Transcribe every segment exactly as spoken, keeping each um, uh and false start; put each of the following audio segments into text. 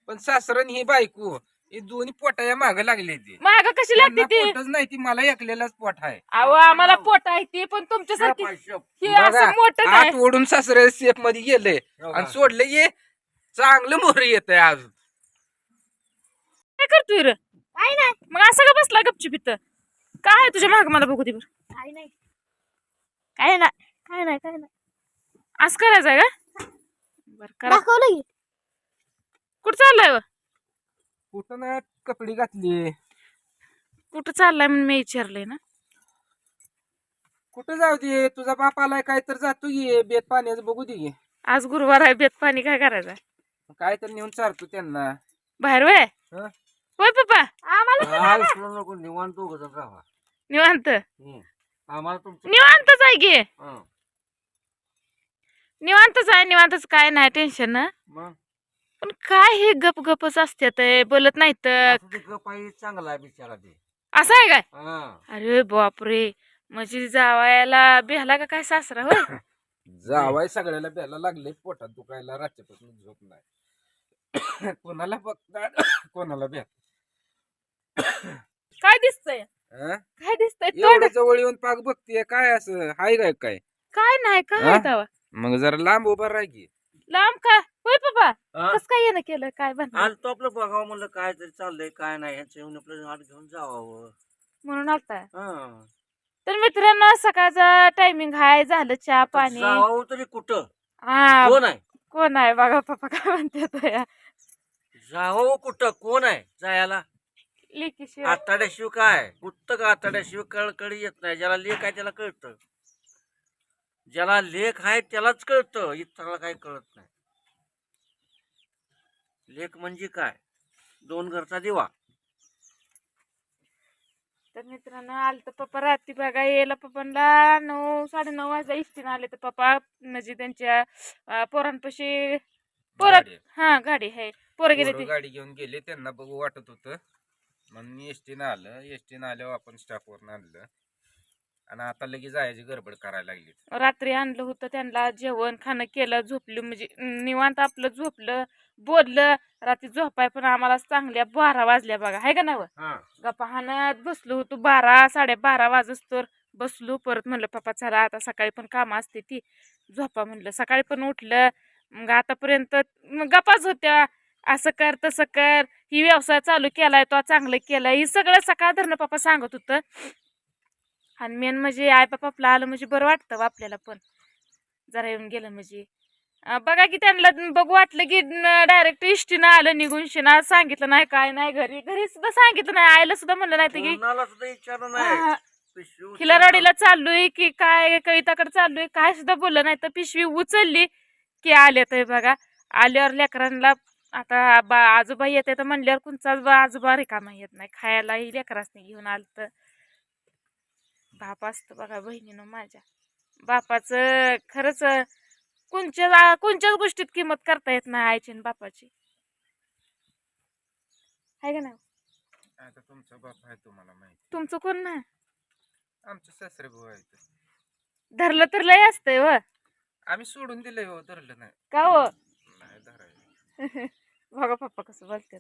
पण सासरन ही बायको हे दोन्ही पोटाया माग लागले ते माग कशी लागते ती पोटच नाही ती मला एकलेलाच पोट आहे. अहो आम्हाला पोट आहे ती पण तुमच्यासारखी हे बघा, असं मोठं हात नाही ओढून सासरे सेफ मध्ये गेले आणि सोडले ये चांगलं मोहर येत आहे अजून. काय करतोय रे काय नाही मग असं का बसला गपचूप इथं काय आहे तुझ्या माग मला बघू दे बरं काय नाही काय नाही काय नाही काय नाही असं करायचंय का बरं करा दाखवलं की कुठं चाललाय व? कुठं ना कपडे घातली कुठं चाललाय म्हणून मी विचारलंय ना कुठं जाऊ दे तुझा बाप आलाय काय तर जातो ये बेत पाण्याचं बघू दे की. आज गुरुवार आहे बेत पाणी काय करायचंय काय तर नेऊन चारतो त्यांना. बाहेर वय हं? होय पप्पा आम्हाला नको निवांत दोघं जण राहा. निवांत हम्म. आम्हाला तुमचं निवांतच आहे की हं. निवांतच आहे निवांतच काय नाही टेन्शन ना मग पण काय हे गप गपच असतात बोलत नाही तर असं ते गप आहे, चांगला आहे बिचारा ते. असं आहे काय हं. अरे बापरे म्हणजे जावायला बेहला का काय सासरा होय जावाय सगळ्याला प्यायला लागले पोटात दुखायला रात्रीपासून झोप नाही. कोणाला बघतात कोणाला भ्या काय दिसतंय काय दिसतंय तोंड एवढ्या जवळ येऊन पाक बघतीये काय असं हाय काय काय. काय नाही काय हा? आहे तेव्हा? मग जरा लांब उभा राह की. लांब का होय पप्पा हं? कस काय येणं केलं काय बन आज तो आपलं बघावं म्हणलं काय तरी चाललंय काय नाही ह्याचं येऊन आपलं हात घेऊन जावावं. म्हणून आलता हं. तर मित्रांनो सकाळचा टायमिंग हाय झालं चहा पाणी जावावं तरी कुठं हा कोण आहे कोण आहे बघा पप्पा काय म्हणते या जावावं कुठं कोण आहे जायला लेकीशी आताड्याशिवाय काय कुठं का आताड्याशिवाय कळकळी येत नाही. ज्याला लेख आहे त्याला कळतं, ज्याला लेख आहे त्यालाच कळतं, इतराला काही कळत नाही. लेख म्हणजे काय दोन घरचा दिवा. तर मित्रांनो आलं तर पप्पा रात्री बघा यायला पप्पांना नऊ साडे नऊ वाजता इष्टीनं आले तर पप्पा म्हणजे त्यांच्या अं, पोरांपाशी पोरं गाडी आहे. हा गाडी आहे पोरं गेले पोरं ते गाडी घेऊन गेले त्यांना बघू वाटत होतं म्हणून एसटीनं आलं. एसटीनं आल्यावर आपण स्टाफवरनं आणलं आणि आता लगेच जायची गडबड करायला लागली. रात्री आणलं होतं त्यांना जेवण खाणं केलं झोपलं म्हणजे निवांत आपलं झोपलं बोललं रात्री झोपाय पण आम्हाला चांगल्या बारा वाजल्या बघा हाय का नाही हा. गप्पा हाणत बसलो होतो बारा साडेबारा वाजच तर बसलो परत म्हणलं पप्पा चला आता सकाळी पण कामं असते ती झोपा म्हणलं सकाळी पण उठलं मग आतापर्यंत मग गप्पाच होत्या असं कर तसं कर ही व्यवसाय चालू केलाय तो चांगलं केलाय ही सगळं सकाळ धरणं पप्पा सांगत होतं आणि मेन म्हणजे आई बाप आपलं आलं म्हणजे बरं वाटतं बा आपल्याला पण जरा येऊन गेलं म्हणजे अं, बघा की त्यांना बघू वाटलं की डायरेक्ट इष्टीनं आलं निघून शिना सांगितलं नाही काय नाही घरी घरी सुद्धा सांगितलं नाही आईला सुद्धा म्हणलं नाही तर की कोणाला सुद्धा विचारलं नाही. हा, पिशवी उचलून- खिलारवाडीला चाललोय की काय कविताकडे चाललोय काय सुद्धा बोललं नाही तर पिशवी उचलली की आले तर बघा आल्यावर लेकरांना आता बा आजोबा येते तर म्हणल्यावर कोणचाच बा आजोबा रिकामा येत नाही खायलाही लेकरासने घेऊन आलं तर बाप असतं बघा बहिणीनं माझ्या बापाचं खरंच कोणच्या कोणत्याच गोष्टीत किंमत करता येत नाही आईची आणि बापाची आहे का नाही आता तुमचा बाप आहे तुम्हाला माहिती, तुमचं कोण नाही आमचे सासरे भाऊ आहेत. धरलं तर लय असतंय व आम्ही सोडून दिलंय हो, धरलं नाही. का हो नाही धरायला. बघा पप्पा कसं बोलते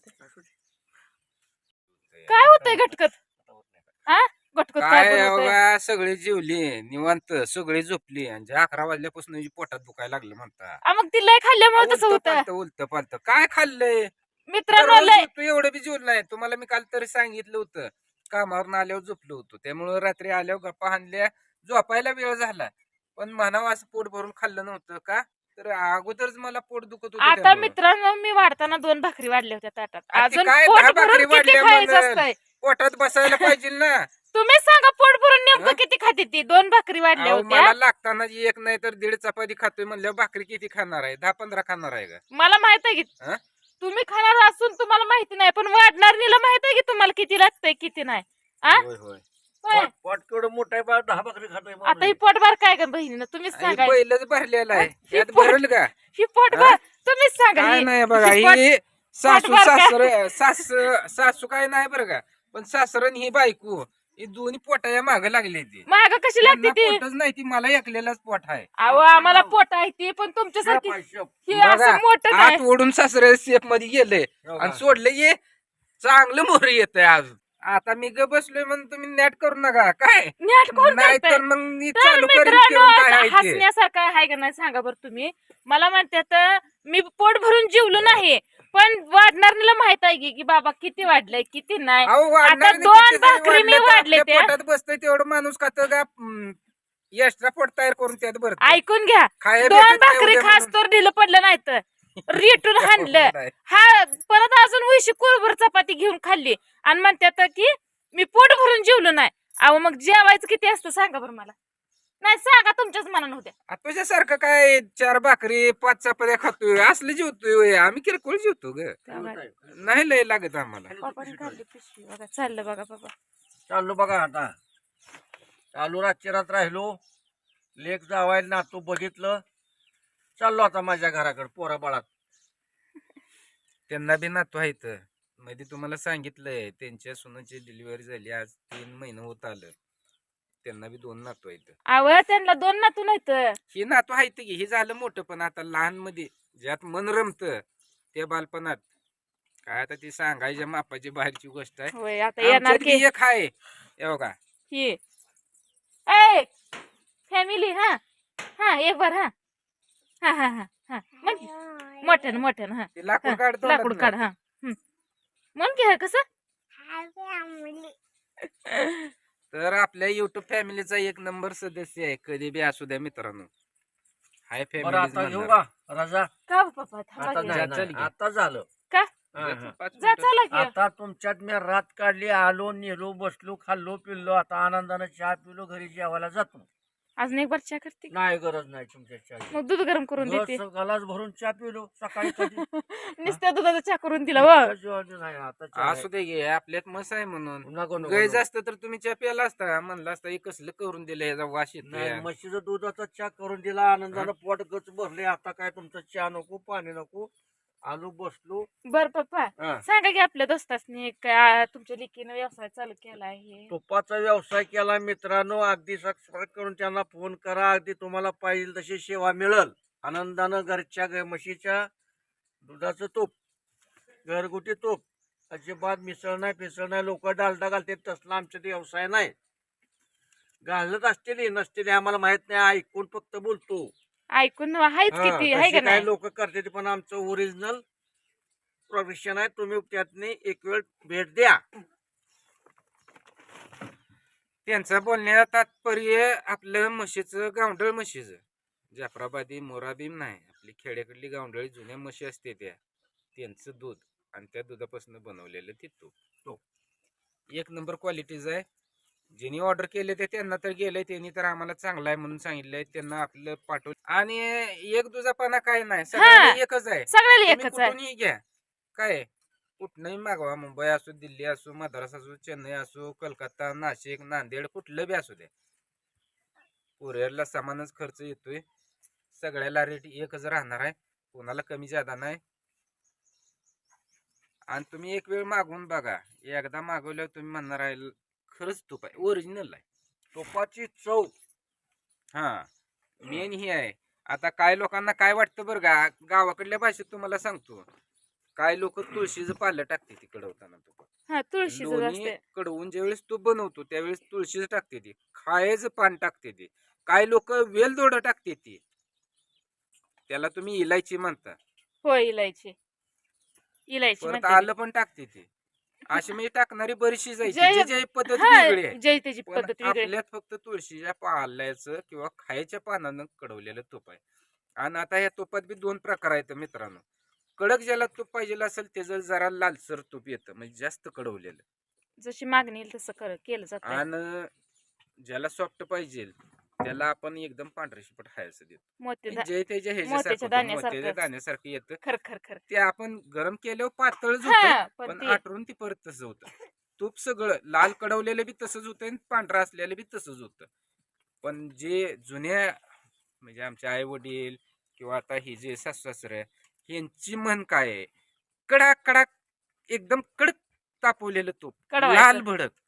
काय होतंय घटकत आ घटकत काय काय बोलतोय? बघा सगळे जेवली निवांत सगळे झोपली आणि जे अकरा वाजल्यापासून जी पोटात दुखायला लागलं म्हणता. आ, मग ती लय खाल्ल्यामुळे तसं होतं उलत पालत काय खाल्लंय मित्रांनो दररोज लय तू एवढं बी जेवलं नाही. तुम्हाला मी काल तरी सांगितलं होतं कामावरून आल्यावर झोपलो होतो त्यामुळे रात्री आल्यावर गप्पा हाणल्या झोपायला वेळ झाला पण म्हणावं असं पोट भरून खाल्लं नव्हतं का तर अगोदरच मला पोट दुखत होतं आता त्यामुळं. मित्रांनो मी वाढताना दोन भाकरी वाढल्या होत्या ताटात आ, ती अजून काय पोट दहा भरून भाकरी किती वाढल्या खायचं म्हणून? असतंय पोटात बसायला पाहिजे ना. तुम्ही सांगा पोट भरून हा? नेमकं किती खाते ती दोन भाकरी वाढल्या अहो, होत्या मला लागताना जी एक नाही तर दीड चपाती खातोय म्हणल्यावर भाकरी किती खाणार आहे दहा पंधरा खाणार आहे का. मला माहित आहे की हा? तुम्ही खाणार असून तुम्हाला माहिती नाही पण वाढणारीला माहित आहे की तुम्हाला किती लागतंय किती नाही आ? होय होय होय. पोट- पोट केवढं मोठं आहे बा, दहा भाकरी खातोय आता माणूस. ही पोटभर काय का बहिणीनं तुम्हीच आणि सांगा पहिलंच भरलेलं आहे ही यात पोट- भरल का ही पोटभर तुम्हीच सांगा काय ही- नाही बघा ही पोट- ही सासू पोटभर काय? सासर सास सासू काय नाही बरं का पण सासरन ही बायको ही दोन्ही पोटाया माग लागली ती माग कशी लागते त्यांना ती पोटच नाही ती मला एकलेलाच पोट आहे अहो आम्हाला पोट आहे ती पण तुमच्यासारखी शेप आहे, शेप. हे असं मोठं आत नाही ओढून सासरे सेफ मध्ये गेले आणि सोडले ये चांगलं मोर येत आज आता मी ग बसलोय म्हणून तुम्ही नॅट करू नका काय नेट कोण नाही करतंय? तर मग मी तर चालू करीन मित्रांनो, करून काय आहे ते. हसण्यासारखं आहे का नाही सांगा बरं तुम्ही मला म्हणतात मी पोट भरून जेवलो नाही पण वाढणाऱ्याला माहित आहे की की बाबा किती वाढलंय किती नाही अहो, वाढणार आता नाही, दोन किती जरी भाकरी मी वाढलं तर वाढले आपल्या त्या पोटात बसतोय तेवढं माणूस खात का एक्स्ट्रा पोट तयार करून त्यात भरत ऐकून घ्या खाया दोन भेटत नाही भाकरी उद्या खास म्हणून. तर ढिलं पडलं नाही तर रेटून हाणलं नाही. हा परत अजून उशी कुरभर चपाती घेऊन खाल्ली आणि म्हणतात की मी पोट भरून जेवलो नाही अहो मग जेवायचं किती असतं सांगा बरं मला नाही सांगा तुमच्याच मनानं होत्या आ, तुझ्यासारखं काय चार भाकरी पाच चपात्या खातोय असलं जेवतोय होय. आम्ही किरकोळ जेवतो ग नाही लय लागत आम्हाला बाबाने काढली पिशवी बघा चाललं बघा बाबा चाललो बघा आता चालू रातची रात राहिलो लेक जावायला नातू बघितलं चाललो आता माझ्या घराकडे पोरा बाळात त्यांना बी नातू आहेत मध्ये तुम्हाला सांगितलंय त्यांच्या सुनाची डिलिव्हरी झाली आज तीन महिने होत आलं त्यांना बी दोन नातू आहेत अव त्यांना दोन नातू नाहीत ही नातू आहेत की हे झालं मोठं पण आता लहान मध्ये ज्यात मन रमत त्या बालपणात काय आता ती सांगायच्या मापाची बाहेरची गोष्ट आहे होय आता येणार आमच्यात की बी एक आहे हे बघा ही ए फॅमिली हा हा एक बार हा हा हा हा हा म्हण की. मोठ्यान मोठ्यान हा ते लाकूड हा, काढतो लाकूड काढ हा हम्म. म्हण की हा कसं तर आपल्या युट्यूब फॅमिलीचा एक नंबर सदस्य आहे कधी बी असू द्या मित्रांनो हाय बरं आता घेऊ फॅमिली का रजा का हो पप्पा थांबा आता की. नाही, जा, नाही, चल घे. आता झालं का हा, हा. जा चला की आता तुमच्यात मी रात काढली आलो नेलो बसलो खाल्लो पिल्लो आता आनंदाने चहा पिलो घरी जेवायला जातो अजून एक बार चहा करते की? नाही गरज नाही तुमच्या चहा मग दूध गरम करून देते गलास भरून चहा पिलो सकाळी कधी नुसत्या दुधाचा चहा करून दिला व नाही आता चहा असू दे गे आपल्यात मस आहे म्हणून नाही. नको, नको, गैज नको. असतं तर तुम्ही चहा प्याला असता म्हणलं असता हे कसलं करून दिलं याचा वास नाही येतो म्हशीचं दुधाचा चहा करून दिला आनंदानं पोट गच भरले आता काय तुमचं चहा नको पाणी नको आलो बसलो बर पप्पा हा. सांगा की आपल्या दोस्तासनी काय तुमच्या लेकीनं व्यवसाय चालू केला आहे तुपाचा व्यवसाय केला मित्रांनो अगदी सबस्क्राईब करून त्यांना फोन करा अगदी तुम्हाला पाहिजे तशी सेवा मिळेल आनंदानं घरच्या ग- म्हशीच्या दुधाचं तूप घरगुती तूप अजिबात मिसळ नाही पिसळ नाही लोक डालडा घालतात तसला आमच्यात व्यवसाय नाही घालत असतील नसतील आम्हाला माहित नाही ऐकून फक्त बोलतो ऐकून आहेच हा, किती आहे तशी का काही नाही लोक करतात पण आमचं ओरिजिनल प्रोफेशन आहे तुम्ही त्यातनी एक वेळ भेट द्या त्यांचं बोलण्यात तात्पर्य आपलं म्हशीचं गावंढळ म्हशीचं जाफराबादी मोराबीम नाही आपली खेड्याकडली गावंढळी जुन्या म्हशी असते त्या त्यांचं दूध आणि त्या दुधापासून बनवलेलं ते तूप तो एक नंबर क्वालिटीचं आहे ज्यांनी ऑर्डर केले ते त्यांना तर गेलंय त्यांनी तर आम्हाला चांगलं आहे म्हणून सांगितलंय त्यांना आपलं पाठवलं आणि एक दुधापाना काय नाही सगळ्यांना एकच आहे सगळ्याला तुम्ही एकच आहे कुठूनही घ्या काय कुठनंही मागवा मुंबई असो दिल्ली असो मद्रास असो चेन्नई असो कलकत्ता नाशिक नांदेड कुठलं बी असू द्या कुरिअरला समानच खर्च येतोय सगळ्याला रेट एकच राहणार आहे कोणाला कमी जादा नाही आणि तुम्ही एक वेळ मागवून बघा एकदा मागवल्यावर तुम्ही म्हणणार आहे खरंच तूप आहे ओरिजिनल आहे तुपाची चव हा मेन ही आहे आता काय लोकांना काय वाटतं बरं का गावाकडल्या भाषेत तुम्हाला सांगतो काय लोक तुळशीचं पालं टाकते ती कडवताना तूप हा तुळशीचं लोणी असते कडवून ज्यावेळेस तूप बनवतो त्यावेळेस तुळशीचं टाकते ती खायचं पान टाकते ती काय लोक वेलदोड टाकते ती त्याला तुम्ही इलायची म्हणता हो इलायची इलायची परत म्हणते आलं पण टाकते ती अशी म्हणजे टाकणारी बरीचशी जायची जय- जे जे पद्धत हा, वेगळी आहे जय त्याची पण पद्धत वेगळी आहे. आपल्यात फक्त तुळशीच्या पाल्याचं किंवा खायच्या पानानं कडवलेलं तूप आहे आणि आता या तुपात बी दोन प्रकार आहेत मित्रांनो कडक ज्याला तूप पाहिजे असेल त्याचं जरा लालसर तूप येतं म्हणजे जास्त कडवलेलं जशी मागणी येईल तसं कर केलं जात आणि ज्याला सॉफ्ट पाहिजे त्याला आपण एकदम पांढरे शिपट खायचं देतो मोते जे त्याच्या मोत्याच्या ह्याच्यासारखं दाण्यासारखं. मोत्याच्या दाण्यासारखं येतं खर खर खर ते आपण गरम केल्यावर पातळच हा, होतं पण पण ते- आठवून ती परत तसं होतं तूप सगळं लाल कडवलेलं बी तसंच होतं आणि पांढरं असलेलं बी तसंच होतं पण जे जुन्या म्हणजे आमचे आई वडील किंवा आता ही जे सासू सासरे यांची मन काय आहे कडाक कडाक एकदम कडक तापवलेलं तूप कडवायचं. लाल भडक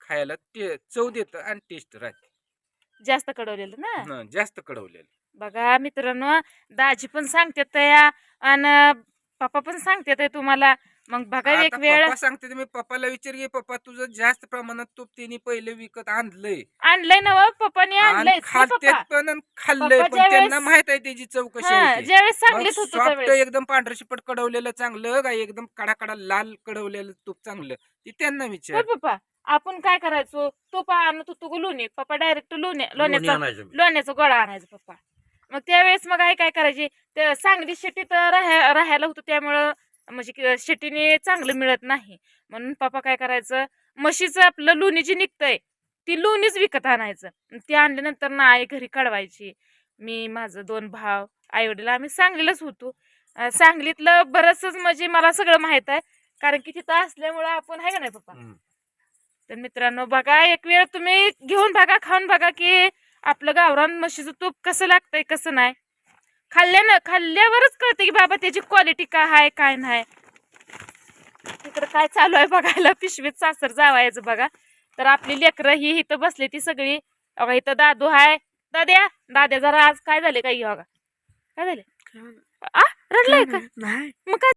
खायला ते चव देतं आणि टेस्ट राहते. जास्त कडवलेलं ना. हं, जास्त कडवलेलं. बघा मित्रांनो, दाजी पण सांगतात या आणि पप्पा पण सांगतात तुम्हाला. मग बघा एक आता वेळ पप्पा सांगते मी पप्पाला विचार घे, पप्पा तुझं जास्त प्रमाणात तूप तिने पहिले विकत आणलंय आणलंय ना व, पप्पाने आणि आणलंय खालतेत पप्पा. पण आणि खाल्लंय पप्पा पण ज्यावेळेस- त्यांना माहित आहे त्याची चव कशी हा, आहे ते. ज्यावेळेस मग सांगलीत होतो सॉफ्ट त्यावेळेस. एकदम पांढरं शिपट कडवलेलं चांगलं का एकदम कडा कडा लाल कडवलेलं तूप चांगलं ते त्यांना होय विचार. पप्पा, आपण काय करायचो, तो पा आणत होतो गं लोणी. पप्पा डायरेक्ट लोणी लोणी लोण्याचा आणायचं मी. लोण्याचा गोळा आणायचा पप्पा. मग त्यावेळेस मग आई काय करायची, ते सांगली शेतीत राहा राहायला होतं त्यामुळं म्हणजे की शेतीने चांगलं मिळत नाही म्हणून पप्पा काय करायचं, म्हशीचं आपलं लोणी जी निघतंय ती लोणीच विकत आणायचं. आणि ती आणल्यानंतर ना आई घरी काढवायची. मी माझं दोन भाव आई वडील आम्ही सांगलीलाच होतो. अं, सांगलीतलं बरंचसंच म्हणजे मला सगळं माहित आहे, कारण की तिथं असल्यामुळं आपण आहे का नाही पप्पा. हम्म. तर मित्रांनो बघा, एक वेळ तुम्ही घेऊन बघा, खाऊन बघा की आपलं गावरान म्हशीचं तूप कसं लागतंय कसं नाही. खाल्ल्यानं खाल्ल्यावरच कळतं की बाबा त्याची क्वालिटी काय आहे काय नाही. तिकडं काय चालू आहे बघायला, पिशवीत सासर जावायचं बघा. तर आपली लेकरं ही इथं बसली ती सगळी. बघा इथं दादू आहे. दाद्या दाद्या जरा आज काय झाले काय बघा, काय झाले आ रडलाय का. मग काय